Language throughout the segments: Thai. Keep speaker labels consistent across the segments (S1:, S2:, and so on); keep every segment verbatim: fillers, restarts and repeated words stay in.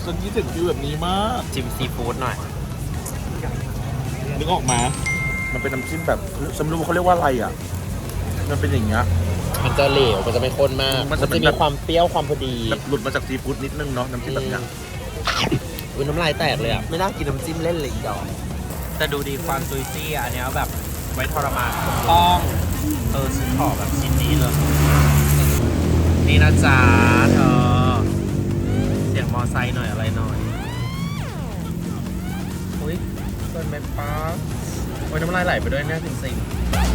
S1: ฉันคิดถึงฟิวแบบนี้มาก
S2: จิ้มซีฟู้ดหน่อย
S1: นึกออกมามันเป็นน้ำจิ้มแบบฉันไม่รู้เขาเรียกว่าอะไรอ่ะมันเป็นอย่างเงี้ย
S2: มันจะเหลวมันจะไม่ข้นมากมันจะมีความเปรี้ยวความพอดี
S1: หลุดมาจากซีฟู้ดนิดนึงเนาะน้ำจิ้มแบบเนี้ย
S2: อุ้ยน้ำลายแตกเลยอ่ะไม่น่ากินน้ำจิ้มเล่นเลยอีดอกแต่ดูดีความซุยซี่อันนี้แบบไว้ทรมานถูกต้องเออฉันขอแบบชิ้นนี้เลยนี่นะจ๊ะเธอเสียงมอไซค์หน่อยอะไรหน่อยอุ้ยเกินไปป๊าโอ้ยน้ำลายไหลไปด้วยเนี่ยจริงๆ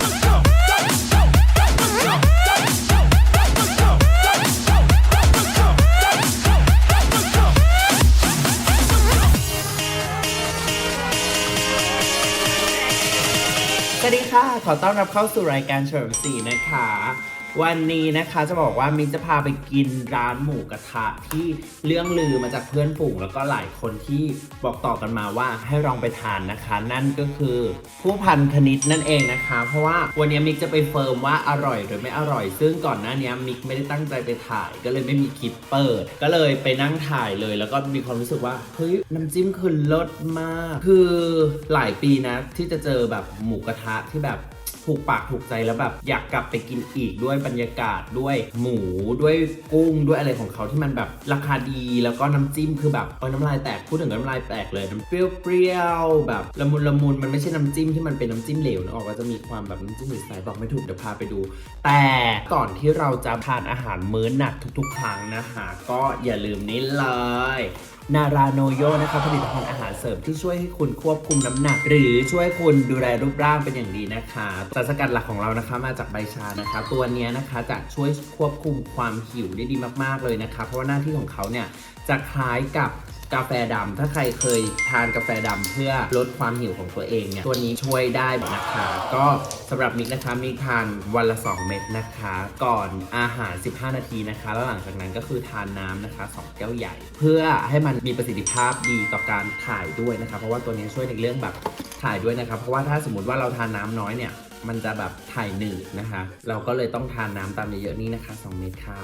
S2: สวัสดีค่ะขอต้อนรับเข้าสู่รายการเฉลิมศรีนะคะวันนี้นะคะจะบอกว่ามินจะพาไปกินร้านหมูกระทะที่เรื่องลือมาจากเพื่อนฝูงแล้วก็หลายคนที่บอกต่อกันมาว่าให้ลองไปทานนะคะนั่นก็คือผู้พันคณิตนั่นเองนะคะเพราะว่าวันนี้มิกจะไปเฟิร์มว่าอร่อยหรือไม่อร่อยซึ่งก่อนหน้านี้มิกไม่ได้ตั้งใจไปถ่ายก็เลยไม่มีคลิปเปิดก็เลยไปนั่งถ่ายเลยแล้วก็มีความรู้สึกว่าเฮ้ยน้ำจิ้มคือเลิศมากคือหลายปีนะที่จะเจอแบบหมูกระทะที่แบบถูกปากถูกใจแล้วแบบอยากกลับไปกินอีกด้วยบรรยากาศด้วยหมูด้วยกุ้งด้วยอะไรของเขาที่มันแบบราคาดีแล้วก็น้ำจิ้มคือแบบเออน้ำลายแตกพูดถึงน้ำลายแตกเลยน้ำเปรี้ยวๆแบบละมุนละมุนมันไม่ใช่น้ำจิ้มที่มันเป็นน้ำจิ้มเหลวนะออกก็จะมีความแบบน้ำจิ้มใสๆบอกไม่ถูกเดี๋ยวพาไปดูแต่ก่อนที่เราจะทานอาหารมื้อหนักทุกๆครั้งนะคะก็อย่าลืมนี้เลยนาราโนโยนะคะผลิตภัณฑ์อาหารเสริมที่ช่วยให้คุณควบคุมน้ำหนักหรือช่วยคุณดูแลรูปร่างเป็นอย่างดีนะคะสารสกัดหลักของเรานะคะมาจากใบชานะคะตัวนี้นะคะจะช่วยควบคุมความหิวได้ดีมากๆเลยนะคะเพราะว่าหน้าที่ของเขาเนี่ยจะคล้ายกับกาแฟดำถ้าใครเคยทานกาแฟดำเพื่อลดความหิวของตัวเองเนี่ยตัวนี้ช่วยได้นะคะก็สำหรับมิกนะคะมิกทานวันละสองเม็ดนะคะก่อนอาหารสิบห้านาทีนะคะแล้วหลังจากนั้นก็คือทานน้ำนะคะสองแก้วใหญ่เพื่อให้มันมีประสิทธิภาพดีต่อการถ่ายด้วยนะคะเพราะว่าตัวนี้ช่วยในเรื่องแบบถ่ายด้วยนะคะเพราะว่าถ้าสมมติว่าเราทานน้ำน้อยเนี่ยมันจะแบบถ่ายหนืดนะคะเราก็เลยต้องทานน้ำตามเยอะๆนี่นะคะสองเม็ดค่ะ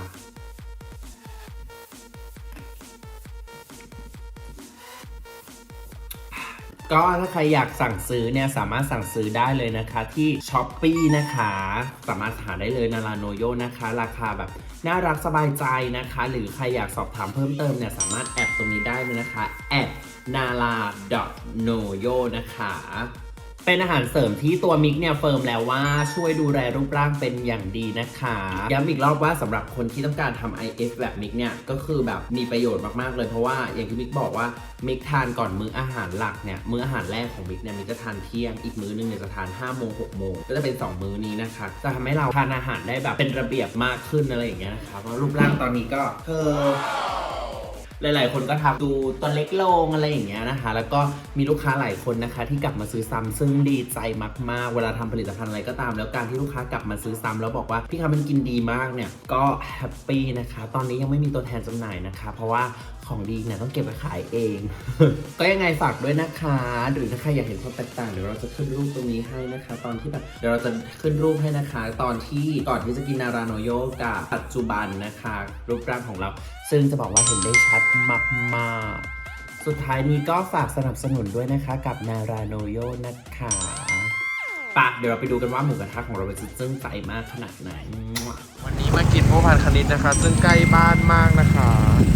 S2: ก็ถ้าใครอยากสั่งซื้อเนี่ยสามารถสั่งซื้อได้เลยนะคะที่ ช้อปปี้ นะคะสามารถหาได้เลยนาราโนโยนะคะราคาแบบน่ารักสบายใจนะคะหรือใครอยากสอบถามเพิ่มเติมเนี่ยสามารถแอดตรงนี้ได้เลยนะคะแอดนาราดอทโนโยนะคะเป็นอาหารเสริมที่ตัวมิกเนี่ยเฟิร์มแล้วว่าช่วยดูแลรูปร่างเป็นอย่างดีนะคะย้ำอีกรอบว่าสำหรับคนที่ต้องการทำ ไอ เอฟ แบบมิกเนี่ยก็คือแบบมีประโยชน์มากๆเลยเพราะว่าอย่างที่มิกบอกว่ามิกทานก่อนมื้ออาหารหลักเนี่ยมื้ออาหารแรกของมิกเนี่ยมิกจะทานเที่ยงอีกมื้อนึงเนี่ยจะทานห้าโมงหกโมงก็จะเป็นสองมื้อนี้นะคะจะทำให้เราทานอาหารได้แบบเป็นระเบียบมากขึ้นอะไรอย่างเงี้ยนะคะเพราะรูปร่างตอนนี้ก็เออหลายๆคนก็ทำดูตัวเล็กลงอะไรอย่างเงี้ยนะคะแล้วก็มีลูกค้าหลายคนนะคะที่กลับมาซื้อซ้ำซึ่งดีใจมากๆเวลาทำผลิตภัณฑ์อะไรก็ตามแล้วการที่ลูกค้ากลับมาซื้อซ้ำแล้วบอกว่าพี่คะมันกินดีมากเนี่ยก็แฮปปี้นะคะตอนนี้ยังไม่มีตัวแทนจำหน่ายนะคะเพราะว่าของดีเนี่ยต้องเก็บไปขายเอง ก็ยังไงฝากด้วยนะคะหรือถ้าใครอยากเห็นความแตกต่างเดี๋ยวเราจะขึ้นรูปตรงนี้ให้นะคะตอนที่แบบเดี๋ยวเราจะขึ้นรูปให้นะคะตอนที่ก่อนที่จะกินนาราโนโยกับปัจจุบันนะคะรูปร่างของเราซึ่งจะบอกว่าเห็นได้ชัดมากๆสุดท้ายนี้ก็ฝากสนับสนุนด้วยนะคะกับนาราโนโยนะคะปะเดี๋ยวเราไปดูกันว่าหมูกระทะของเราจะซึ่งใจมากขนาดไหนวันนี้มากินผู้พันคณิตนะคะซึ่งใกล้บ้านมากนะคะ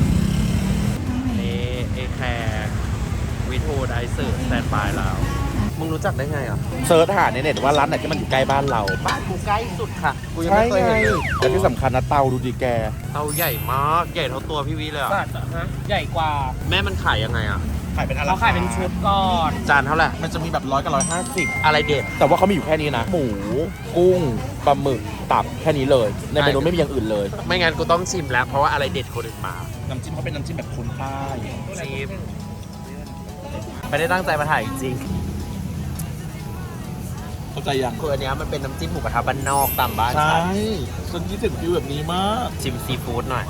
S2: นี่เอแคร์วิทูไดสื่อสแตนบายแล้วมึงรู้จักได้ไงอ่ะ
S1: เซิร์ชหาในเน็ตว่าร้านไหนที่มันอยู่ใกล้บ้านเรา
S2: บ้านกูใกล้สุดค่ะกูยังไม่เคยเห็นเลย
S1: แต่ที่สำคัญนะเตาดูดีแก
S2: เตาใหญ่มากใหญ่เท่าตัวพี่วิเลยอ่ะฮะใหญ่กว่าแม่มันขายยังไงอ่ะ
S1: ขายเป็นอะไร
S2: เขาขายเป็นชุดก่อนจานเท่าไหร่
S1: มันจะมีแบบร้อยกับร้อยห้าสิบ
S2: อะไรเด็ด
S1: แต่ว่าเขามีอยู่แค่นี้นะหมูกุ้งปลาหมึกตับแค่นี้เลยในเมนูไม่มีอย่างอื่นเลย
S2: ไม่งั้นกูต้องชิมแล้วเพราะว่าอะไรเด็ดคนอื่นมา
S1: น้ำจิ้มเขาเป็นน้ำจิ้มแบบคนใต้
S2: ชิมไม่ได้ตั้งใจมาถ่ายจริง
S1: เข้าใจยัง
S2: คืออันนี้มันเป็นน้ำจิ้มหมูกระทะบ้านนอกตามบ้าน
S1: ใช่ฉันคิดถึงฟิวแบบนี้มาก
S2: ชิมซีฟู้ดหน่อย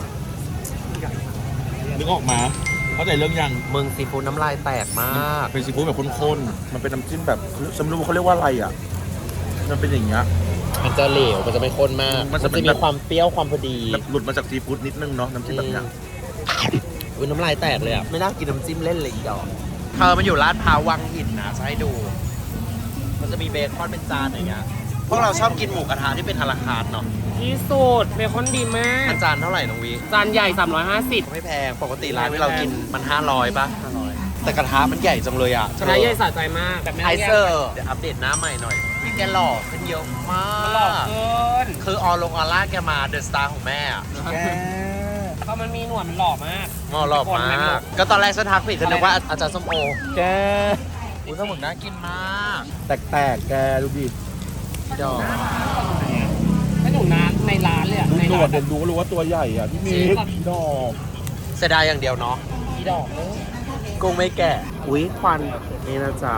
S1: นึกออกมาเข้าใจเรื่องยัง
S2: มึงซีฟู้ดน้ำลายแตกมาก
S1: เป็นซีฟู้ดแบบข้นๆมันเป็นน้ำจิ้มแบบฉันไม่รู้เขาเรียกว่าอะไรอ่ะมันเป็นอย่างเงี้ย
S2: มันจะเหลวมันจะไม่ข้นมากมันจะมีความเปรี้ยวความพอดี
S1: หลุดมาจากซีฟู้ดนิดนึงเนาะน้ำจิ้มแบบเนี้ย
S2: อุ้ยน้ำลายแตกเลยอ่ะ ไม่น่ากินน้ำจิ้มเล่นเลยอีดอกเธอมันอยู่ลาดพร้าววังหินนะจะให้ดู มันจะมีเบคอนเป็นจานอย่างเงี้ยพวกเราชอบกินหมูกระทะที่เป็นอาราคาร์ทเนาะ
S3: ที่สุดเบคอนดีมาก
S2: จานเท่าไหร่น้องวี
S3: จานใหญ่สามร้อยห้าสิบ
S2: ไม่แพงปกติร้านที่เรากินมันห้าร้อยป่ะแต่กระทะมันใหญ่จังเลยอ่ะ
S3: ชนะใหญ่สะใจมากแบบไม่
S2: ไอ
S3: ต้องแยก
S2: เซอร์เดี๋ยวอัปเดตหน้าใหม่หน่อยพี่แกหล่อขึ้นเยอะมาก
S3: หลอกเกิน
S2: คือออลงออร่าแกมาเดอะสตาร์ของแม่อะ
S1: แก
S3: เพราะมันมีหนวดมันหล่อมาก
S2: งอหล่อมากก็ตอนแรกฉันทักผิดฉันนึกว่าอาจารย์ส้มโอ
S1: แก
S2: อุ้ยสมุนน่ากินมาก
S1: แตกๆแกดูดิ
S2: ดอก
S3: ไม่หนูนะในร้านเลยอะ
S1: ดู
S3: ใน
S1: หน
S3: ร้า
S1: วด
S3: น
S1: เด่นดูก็รู้ว่าตัวใหญ่อ่ะพี่มิกดอก
S2: เสียดายอย่างเดียวเนาะ
S3: อีดอกเลย
S2: กุ้งไม่แก่อุ้ยควันนี่นะจ๊ะ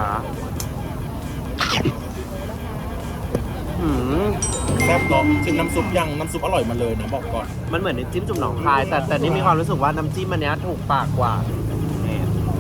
S2: หืม
S1: แซ่บเนาะชิมน้ำซุปยังน้ำซุปอร่อยมาเลยนะบอกก่อน
S2: มันเหมือนน้ำจิ้มจุ่มหนองคาย แต่แต่นี่มีความรู้สึกว่าน้ำจิ้มอันเนี้ยถูกปากกว่านี่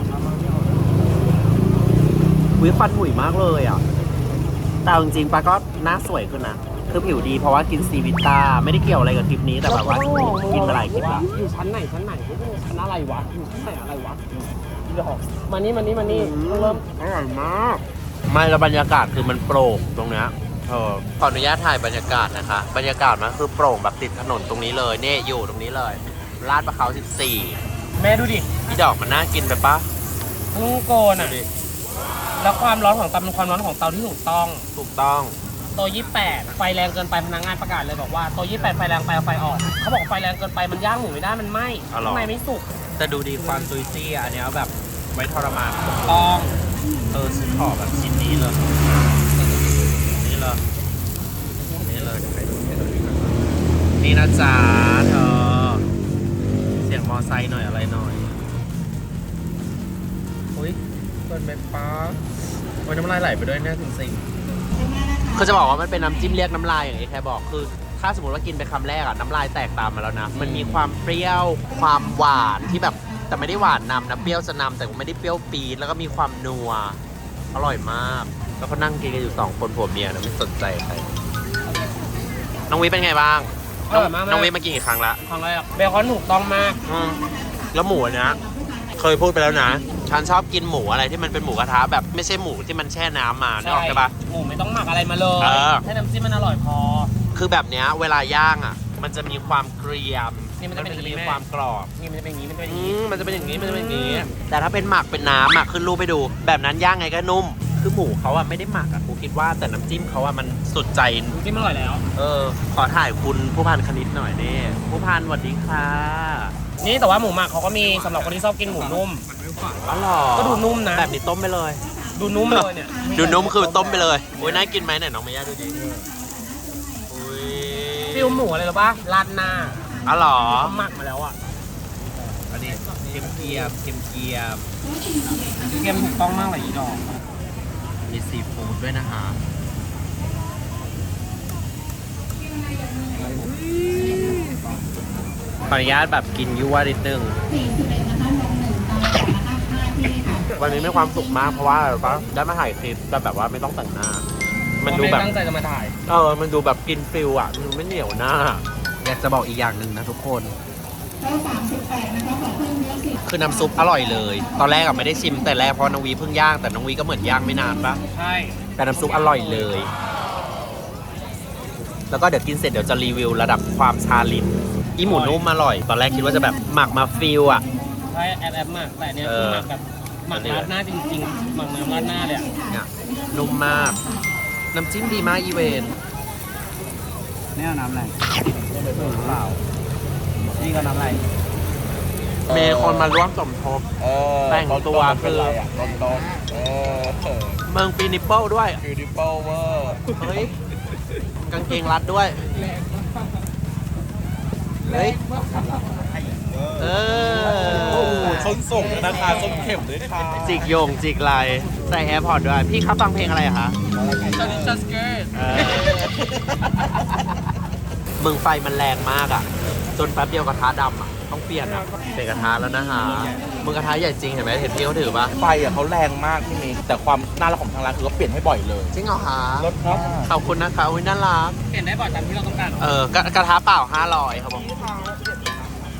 S2: อุ้ยฟันหุยมากเลยอ่ะแต่เอาจริงๆปาก็หน้าสวยขึ้นนะคือผิวดีเพราะว่ากินซีวิต้าไม่ได้เกี่ยวอะไรกับคลิปนี้แต่แบบว่ากินมาหลายคลิปละ
S3: อยู่ชั้นไหนชั้นไหนชั้นอะไรวะอยู่ชั้นไหนอะไรวะอีดอกมานี่มานี่มานี่เริ่ม
S2: อร่อยมาก ไม่แล้วบรรยากาศคือมันโปร่งตรงเนี้ยเออขออนุญาตถ่ายบรรยากาศนะคะ บรรยากาศมันคือโปร่งแบบติดถนนตรงนี้เลยเนี่ยอยู่ตรงนี้เลยลาดประเขาสิบสี่
S3: แม่ดูดิ
S2: พี่ดอกมันน่ากินไปปะ
S3: พุ่งโกนอ่ะแล้วความร้อนของเตาเป็นความร้อนของเตาที่ถูกต้อง
S2: ถูกต้อง
S3: โตะยี่สิบแปดไฟแรงเกินไปพนักงานประกาศเลยบอกว่าโตะยี่สิบแปดไฟแรงไปเอาไฟออกเขาบอกว่าไฟแรงเกินไปมันย่างหมูไม่ได้มันไหม้ข้างในไม่สุก
S2: แต่ดูดีความซุยซี่อ่ะอันเนี้ยแบบไว้ทรมาน
S3: ต้อง
S2: เออฉันขอแบบชิ้นนี้เลยนี่เลยนี่เลยเดี๋ยวไปดูให้ดูนี่นะจ๊ะเธอเสียงมอไซค์หน่อยอะไรหน่อยอุ้ยเปิดแม่ป้าโอ้ยน้ำลายไหลไปด้วยเนี่ยจริงๆคือจะบอกว่ามันเป็นน้ำจิ้มเรียกน้ำลายอย่างที่แค่บอกคือ ถ้าสมมติว่ากินไปคำแรกอะน้ำลายแตกตามมาแล้วนะมันมีความเปรี้ยวความหวานที่แบบแต่ไม่ได้หวานนำนะเปรี้ยวจะนำแต่ไม่ได้เปรี้ยวปี๊ดแล้วก็มีความนัวอร่อยมากแล้วก็นั่งกินกันอยู่สองคนผัวเมียนะไม่สนใจใครน้องวิเป็นไงบ้าง
S3: อร่อยมาก
S2: น้องวิมากินกี่ครั้งละ
S3: ครั้งแรกเบคอนถูกต้องมาก
S2: อืมแล้วหมูอันเนี้ยเคยพูดไปแล้วนะฉันชอบกินหมูอะไรที่มันเป็นหมูกระทะแบบไม่ใช่หมูที่มันแช่น้ำมานึกออกใช่ปะ
S3: หมูไม่ต้องหมักอะไรมาเลย
S2: เออ
S3: ให้น้ำจิ้มมันอร่อยพอ
S2: คือแบบเนี้ยเวลาย่างอ่ะ มันจะมีความเกรียม
S3: นี่มันจะเป็นอย่างนี้
S2: มี
S3: แม่
S2: ความกรอบ
S3: นี่มันจะเป็นอย่างนี้มันจะเป็นอย่าง
S2: อื
S3: นี้
S2: มมันจะเป็นอย่างนี้มันจะเป็นอย่างนี้ แต่ถ้าเป็นหมักเป็นน้ำอ่ะขึ้นรูปไปดู แบบนั้นย่างไงก็นุ่ม คือหมูเขาอ่ะไม่ได้หมักอ่ะกูคิดว่าแต่น้ำจิ้มเขาอ่ะมันสุดใจ
S3: น้ำจิ้มอร่อยแล้ว
S2: เออ ขอถ่ายคุณผู้พันคณิตหน่อยนี่ผู้พันสวัสดีค่ะ
S3: นี่แต่ว่าหมูหมักเขาก็มีสำหรับคนที่ชอบกินหมูนุ่ม
S2: อ๋อเหรอ
S3: ก็ดูนุ่มนะ
S2: แบบนี้ต้มไปเลย
S3: ดูนุ่มเลยเนี่ย
S2: ดูนุ่มคือต้มไปเลยโอ้ยน่ากินไหมไหนน้องเมย่าดูดิอุ้ย
S3: ฟิลหมูอะไรหรอปะราดหน้า
S2: อ๋อเหรอ
S3: เขาหมักมาแล้วอ่ะ
S2: อันนี้เกียมเกียมเกียมเกียม
S3: เกมถูกต้องมากเลยอีดอก
S2: มีซีฟู้ดด้วยนะคะขออนุญาตแบบกินยั่วนิดนึงวันนี้มีความสุขมากเพราะว่าอะไรปะได้มาถ่ายคลิปแต่แบบว่าไม่ต้องแต่งหน้า มันดูแบบ
S3: ไตั้งใจจะมาถ่าย
S2: เออ มันดูแบบกินฟิลอ่ะ มันไม่เหนียวหน้า อยากจะบอกอีกอย่างหนึ่งนะทุกคน คือน้ำซุปอร่อยเลย ตอนแรกอะไม่ได้ชิมแต่แรกเพราะน้องวีเพิ่งย่าง แต่น้องวีก็เหมือนย่างไม่นานปะ
S3: ใช่
S2: แต่น้ำซุปอร่อยเลย แล้วก็เดี๋ยวกินเสร็จเดี๋ยวจะรีวิวระดับความชาลิ้น อีหมูนุ่มอร่อย ตอนแรกคิดว่าจะแบบหมักมาฟิลอ่ะ
S3: ใช่แอบแอบหมักแต่เนี่ย
S2: เอ
S3: คือ
S2: อ
S3: หมักแบบหมักราดหน้าจริงๆหมักน้ำราดหน้าเลยอะ
S2: เนี่ยนุ่มมาก น้ำจิ้มดีมากอีเวน
S3: นี่น้ำอะไรเปล่านี่ก็น้ำอะไร
S2: มีคนมาร่วมสมทบ
S1: เออ
S2: แต่งตัวคือ
S1: ต้นต้นเออ
S2: เมืองปีนิปเปิลด้วย
S1: บิวตี้เปิลเวอร์
S2: เฮ้ย กางเกงรัดด้วย เฮ้ย เอ
S1: โอ้โห
S2: อ
S1: ส้นส่งนะคะส้นเข็มด้วยค่ะ
S2: จิกโยงจิกไหลใส่แอร์พอร์ตด้วย พี่ครับฟังเพลงอะไรอะคะ
S3: ชันชัสเกิร์ต
S2: เออมึงไฟมันแรงมากอ่ะ จนแป๊บเดียวกระทะดำอ่ะ ต้องเปลี่ยนอ่ะเปลี่ยนกระทะแล้วนะฮะมึงกระทะใหญ่จริงเห็นไหมเห็นพี่เขาถือปะ
S1: ไฟอ่ะเขาแรงมากพี่มิกแต่ความน่ารักของทางร้านคือเขาเปลี่ยนให้บ่อยเลย
S2: จริงเหรอคะ
S1: รถครับ
S2: ขอบคุณนะคะอุ้ยน่ารัก
S3: เปลี่ยนได้บ่อยตามที่เราต้องการ
S2: เออกระกระทะเปล่าห้าร้อยครับผม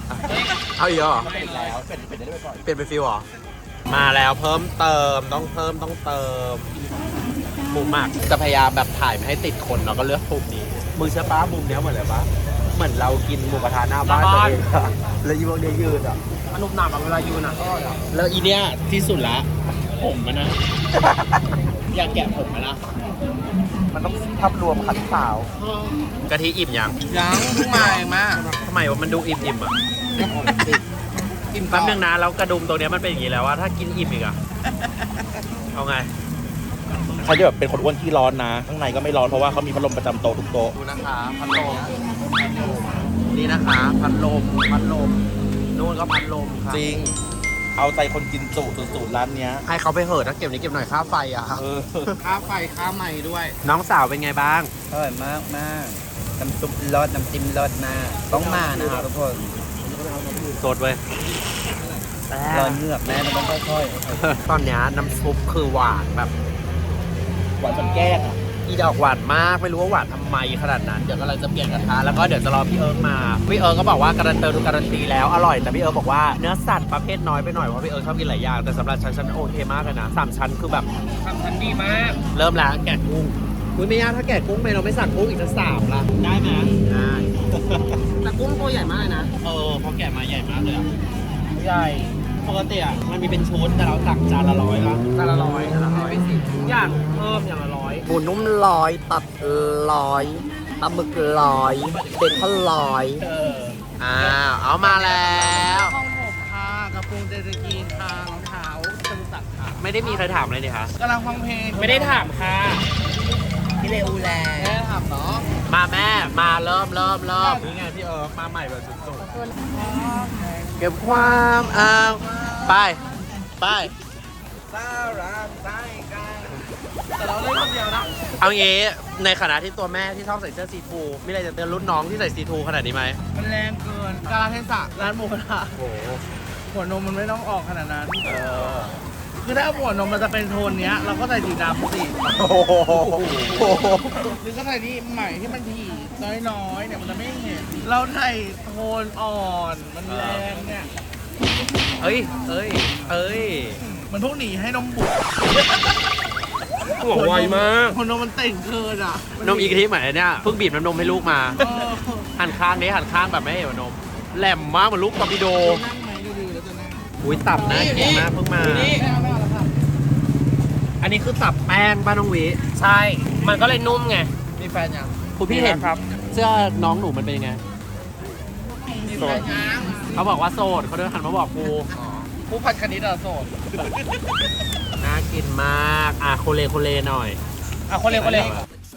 S2: เอาอีกเหรอ
S1: เป็นแล้วเป็นเป็นได้ไปก่อน
S2: เปลี่ยนเป็นฟิลเหรอ มาแล้วเพิ่มเติมต้องเพิ่มต้องเติมมุมมากจะพยายามแบบถ่ายไม่ให้ติดคนเนาะก็เลือกมุมนี้มือเชื่อป้ามุมเนี้ยเหมือนอะไรปะเหมือนเรากินหมูกระทะหน้าบ้านตัวเองอะแล้วอีพวกเนี้ยยืนอ่ะ
S3: มันนุ่มหนาบเวลายืนอ่ะ
S2: แล้วอีเนี้ยที่สุดละผมมันนะ อยากแกะผมมันละ
S1: มันต้องทับรวมขันสาว
S2: กะทิอิ่มยัง
S4: ยังเพิ่งมาเองมา
S2: ทำไมว่ามันดูอิ่มอิ่มๆอ่ะอิ่มแป๊บนึงนะแล้วกระดุมตรงเนี้ยมันเป็นอย่างนี้แล้วว่าถ้ากินอิ่มอีกอ่ะเอาไง
S1: เขาจะแบบเป็นคนอ้วนที่ร้อนนะ ข้างในก็ไม่ร้อนเพราะว่าเขามีพัดลมประจำโต๊ะทุกโต๊ะ
S2: ดูนะคะพัดลมนี่นะคะพัดลมพัดลมนู่นก็พัดลมค่ะ
S1: จริง เอาใจคนกินจุสูตรร้านเนี้ย
S2: ให้เขาไปเหอะถ้าเก็บนี้เก็บหน่อยค่าไฟอ่ะ
S1: เออ
S4: ค่าไฟค่าใหม่ด้วย
S2: น้องสาวเป็นไงบ้าง
S4: อร่อยมากมากน้ำซุปรสน้ำจิ้มรสมากต้องมานะครับทุกคน
S2: สดเว้ย
S4: รอยเหงือกแม่มันต้องค่อย
S2: ตอนเนี้ยน้ำซุปคือหวานแบบ
S1: หวานจนแก้งอ่ะ
S2: อีดอกหวานมากไม่รู้ว่าหวานทำไมขนาดนั้นเดี๋ยวกำลังจะเปลี่ยนกระทะแล้วก็เดี๋ยวจะรอพี่เอิร์กมาพี่เอิร์กก็บอกว่าการันตีทุกการันตีแล้วอร่อยแต่พี่เอิร์กบอกว่าเนื้อสัตว์ประเภทน้อยไปหน่อยเพราะพี่เอิร์กชอบกินหลายอย่างแต่สำหรับฉันฉันโอเคมากเลยนะสามชั้นคือแบบ
S3: ทำทันดีมาก
S2: เริ่มแล้วแกะกุ้งอุ้ยไม่ยากถ้าแกะกุ้งไปเราไม่สั่งกุ้งอีกสักสามละ
S3: ได้ไหม
S2: ได้
S3: แต่กุ้งตัวใหญ่มากเลยนะ
S2: เออพอแกะมาใหญ่มากเลยอะ
S3: ใหญ่
S2: ปกติอ่ะมันมีเป็นชุดแต่เราสั่งจานละร้อยละ
S3: จานละร้อยจานละร้อยทุกอย่างเพิ่มอย่างละร้อย
S2: หมูนุ่มลอยตัดลอยปลาหมึกลอยเด็กเขาลอยอ้าวเอามาแล้ว
S4: ห้องผมค่ะกระปุงเจตกีนทางเท้าจตุจักรค่ะ
S2: ไม่ได้มีใครถามเลยนี่คะ
S4: กำลังฟังเพลง
S3: ไม่ได้ถามค่ะ
S4: พี่เลอูแลแม่ถามเนาะ
S2: มาแม่มาเริ่มเริ่มเริ่มนี่ไงพี่เอิร์กมาใหม่แบบสุดๆเก็บความเอาไปไป
S4: สารักใจกันแต่เราเล่นคนเดียวนะ
S2: เอางี้ในขณะที่ตัวแม่ที่ชอบใส่เสื้อซีทูมีอะไรจะเตือนรุ่นน้องที่ใส่ซีทูขนาดนี้ไหม
S4: มันแรงเกินกาลเทศะร้านหมูกระทะ
S2: โอ้โห
S4: หัวนมมันไม่ต้องออกขนาดนั้น
S2: เออ
S4: คือถ้าหัวนมมันจะเป็นโทนเนี้ย เราก็ใส่สีดำสิ
S1: โอ้โห
S4: หรือก็ใส่ที่ใหม่ที่มันถี่น้อยๆเนี่ยมันจะไม่เห็น เราใส่โทนอ่อนมันแรงเนี่ย
S2: เอ้ยเอ้ยเอ้ย
S4: มันพวกหนีให้นมบุก
S2: หัวไวมาก
S4: หัวนมมันเต่งเกินอ่ะ
S2: นมอีกทีเหมือนเนี่ยเพิ่งบีบน้ำนมให้ลูกมา
S4: เออ
S2: หันข้างนี้หันข้างแบบไม่ให้เห็นนมแหลมมากเหมือนลูกตอร์ปิโด
S4: นั่งไหมดูๆแล้วจะนั่ง
S2: อุ้ยตับนะกินมากเพิ่งมา
S4: ไม่เอาไม่เอาแล้วค่ะ
S2: อันนี้คือตับแป้งป้าน้องวิ
S3: ใช่ มันก็เลยนุ่มไง
S4: มีแฟนยัง
S2: คุณพี่เห็น
S3: ครับ
S2: เสื้อน้องหนูมันเป็นยังไง
S4: มีแฟนยัง
S2: เขาบอกว่าโสดเขาเดินหันมาบอกกู
S4: ผู้พันคณิตอะโสด
S2: น่ากินมากอ่ะโคเลโคเลหน่อย
S3: อ่ะคนเร็วคนเร็ว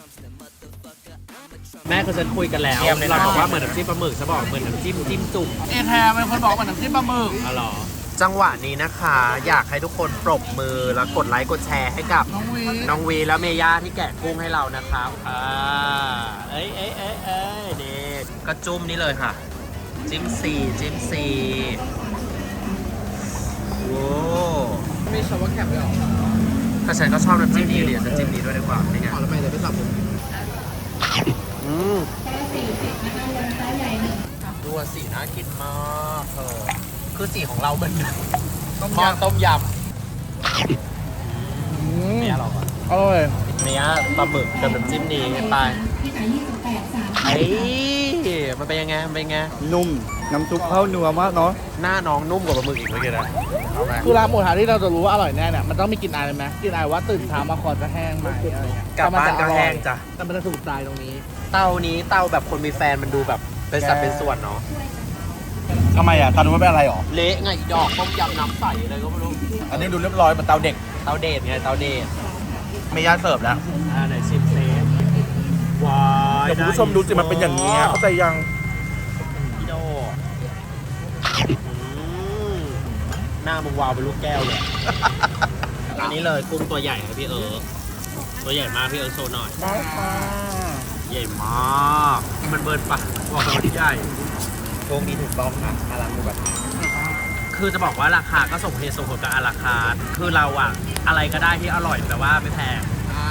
S2: แม่คือฉันคุยกันแล้ว
S3: เยี่ยมเลยนะ
S2: เราบอกว่าเหมือนน้ำจิ้มปลาหมึกฉันบอกเหมือนน้ำจิ้มจิ้มจุ่ม
S4: เอแคร์เป็นคนบอกว่าน้ำจิ้มปลาหมึก
S2: อ๋อเหรอจังหวะนี้นะคะ อยากให้ทุกคนปรบมือแล้วกดไลค์กดแชร์ให้กับ
S4: น้องวี
S2: น้องวีและเมย่าที่แกะกุ้งให้เรานะครับอ่าเอ้ยเอ้ยเอ้ยเอ้ยนี่ก็จุ่มนี้เลยค่ะ จิ้มซีจิ้มซีโอ้
S4: มีชาวแคปด้วยหรอ
S2: แต่ฉันก็ชอบน้ำจิ้มนี้เดี๋ยวจะจิ้มนี้ด้วยดีกว่านี่ไง
S4: ขอแล้วไปเดี๋ยวไปสับผม
S2: อืมดูว่าสีน่ากินมากเธอคือสีของเราเหมือนหม้อต้มยำเมียเราก่อน
S4: อร่อย
S2: เมียปลาหมึกกับน้ำจิ้มนี้ไปไอ้มันเป็นยังไงมันเป็นยังไง
S5: นุ่ม น้ำซุปเข้านัวมากเนาะ
S2: หน้าน้องนุ่มกว่าปลาหมึกอีกเมื่อกี้นะเอาไหม
S4: คือร้านหมูกระทะที่เราจะรู้ว่าอร่อยแน่เนี่ยมันต้องมีกลิ่นอายเลยไหมกลิ่นอายว่าตื่นเช้ามาคอจะแห้งไหมอะไรเงี้ย
S2: กลับบ้านก็แห้งจ้ะ
S4: แต่มันจะถูกใจตรงนี้
S2: เตานี้เตาแบบคนมีแฟนมันดูแบบเป็นสัดเป็นส่วนเนาะ
S1: ทำไมอ่ะตาดูไม่เป็นอะไรหรอ
S2: เละไงอีดอกต้มยำน้ำใสอะไรก็ไม่รู้
S1: อันนี้ดูเรียบร้อยเหมือนเตาเด็ก
S2: เตาเดทไงเตาเดท
S1: ไม่ย่าเสิร์ฟแล้ว
S2: อ่าไหนชิมเซฟว้าย
S1: เดี๋ยวคุณผู้ชมดูสิมันเป็นอย่างนี้ยเข้าใจยัง
S2: พี่โดอืมหน้ามึงวาวเป็นลูกแก้วเลย อันนี้เลยกุ้งตัวใหญ่ครับพี่เอิร์กตัวใหญ่มากพี่เอิร์กโชว์หน่อย
S4: ได้ค่ะ
S2: ใหญ่มาก มันเบิร์นปะบอกเลยว่าที่ใหญ่โชคดีถูกต้องค่ะอารามูกระทะคือจะบอกว่าราคาก็ส่งเหตุส่งผลกับอาราคาคือเราอะอะไรก็ได้ที่อร่อยแต่ว่าไม่แพง
S4: ใช่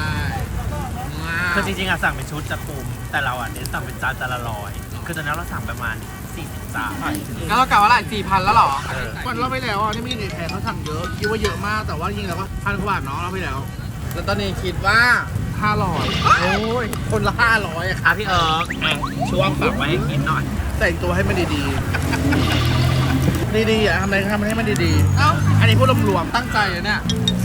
S2: คือจริงๆอะสั่งเป็นชุดจะคุ้มแต่เราอะเน้นสั่งเป็นจานจานละร้อยคือตอนนั้นเราสั่งประมาณสี่สิบสาม
S4: แล้วเรากล่าวว่าหลายสี่พันแล้วหรอวันเราไปแล้วอ่ะที่มีในแพรเขาสั่งเยอะคิดว่าเยอะมากแต่ว่าจริงแล้วก็พันกว่าบาทเนาะเราไปแล้ว แล้วตอนนี้คิดว่าห้าร้อยโอ้ยคนละห้าร้อยอะ
S2: อ่ะพี่เอิร์กอ่ะช่วงฝากไว้ให้กินหน่อย
S4: แต่งตัวให้มันดีๆ ดีๆอ่ะทำอะไรก็ทำให้มันดีๆ เอ้า อันนี้พูดรวมๆตั้งใจเลยเนี่ย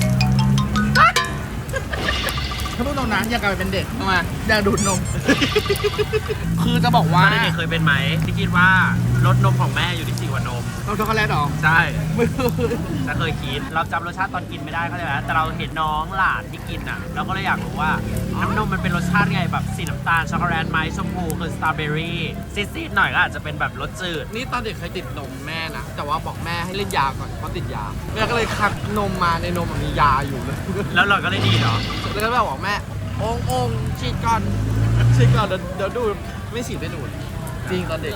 S4: ถ้าพูดตรงนั้นอยากกลับไปเป็นเด็กทำไมอยากดูดนม คือจะบอกว่า
S2: ตอนเด็กๆเคยเป็นไหมที่คิดว่ารสนมของแม่อยู่ที่สี่กว่านม
S4: นมช็อกโกแลตหรอ
S2: ใช่
S4: ไม่เคย
S2: ถ้าเคยคิดเราจำรสชาติตอนกินไม่ได้เขาใจไหมแต่เราเห็นน้องหลานที่กินอ่ะเราก็เลยอยากรู้ว่าน้ำนมมันเป็นรสชาติไงแบบสีน้ำตาลช็อกโกแลตไหมชมพูคือสตรอเบอรี่ซีดๆหน่อยก็อาจจะเป็นแบบรสจืด
S4: นี่ตอนเด็กเคยติดนมแม่นะ แต่ว่าบอกแม่ให้เล่นยาก่อนเพราะติดยา แม่ก็เลยคัดนมมาในนมมียาอยู่เลย
S2: แล้วเราก็เลยดีเหรอ
S4: แล้วก็แบบบอกแม่องค์องค์ฉีดก่อนฉีดก่อนเดี๋ยวเดี๋ยวดูดไม่ฉีดไม่ดูดจริงตอนเด็ก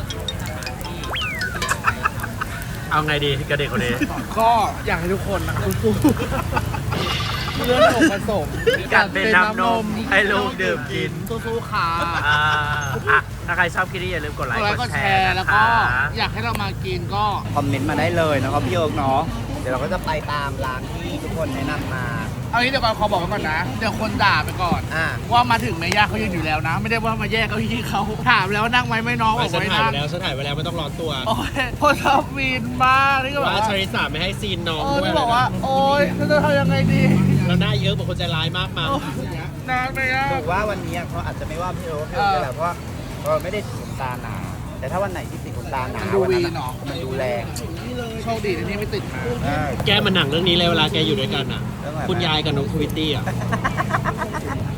S2: เอาไงดีกับเด็กคนนี้
S4: ก็อยากให้ทุกคนนะสู้ๆเรื่องของผสม
S2: การเป็นน้ำนมให้ลูกดื่มกิน
S4: สู้ๆค่ะ
S2: อ่าอ่ะถ้าใครชอบคลิปนี้อย่าลืมกดไล
S4: ก
S2: ค์
S4: ดไลค์
S2: ก
S4: ก
S2: ด
S4: ด
S2: แช
S4: แช
S2: ร์
S4: ร์
S2: นะ
S4: แล้ว
S2: ค
S4: ก็
S2: ะ
S4: อยากให้เรามากินก็
S5: คอมเมนต์มาได้เลยนะครับพี่เอิร์กเนาะ เดี๋ยวเราก็จะไปตามร้านที่ทุกคนแนะนำมา
S4: เอางี้เดี๋ยวก่อนขอบอกไว้ก่อนนะ เดี๋ยวคนด่าไปก่อน
S5: อ่า
S4: ว่ามาถึงแม่ย่าเขายืนอยู่แล้วนะ ไม่ได้ว่ามาแยกเก้าอี้เขาถามแล้วว่านั่งไหมไม่น้องบอก
S2: ฉัน
S4: ไว้
S2: ถ่าย
S4: นั่
S2: ไป
S4: ง
S2: แล้วฉันถ่ายไปแล้วไม่ต้องร้อนตัว
S4: โอ้ยคนชอบวีนมากนี่ก็แบบ
S2: ว่า
S4: ว่า
S2: ชาริสาไม่ให้ซีนน้อง
S4: โอ้ย
S2: ด้วย
S4: บอกว่า โอ้ยเราจะทำยังไงดี
S2: แล้วหน้าเยอะบอกคนใจร้ายมากมั้ง
S4: โอ้ยนานไปอ่ะ
S5: ถือว่าวันนี้เขาอาจจะไม่ว่าพี่เอิร์กพี่เอิร์กแหละเพราะว่าเราไม่ได้ติดขนตาหนา แต่ถ้าวันไหนที่ติดขนตาหนา
S4: มันดู
S5: วั
S4: วี
S5: นั้น
S4: เนาะ
S5: มันดูแรง
S4: โชคดีที่นี่ไม่ติดมา
S5: อ่า
S2: แกมันหนังเรื่องนี้เลยเวลาแกอยู่ด้วยกันอ่ะ
S5: เรื่องอะไรนะ
S2: คุณยายกับน้องทวิตตี้อ่ะ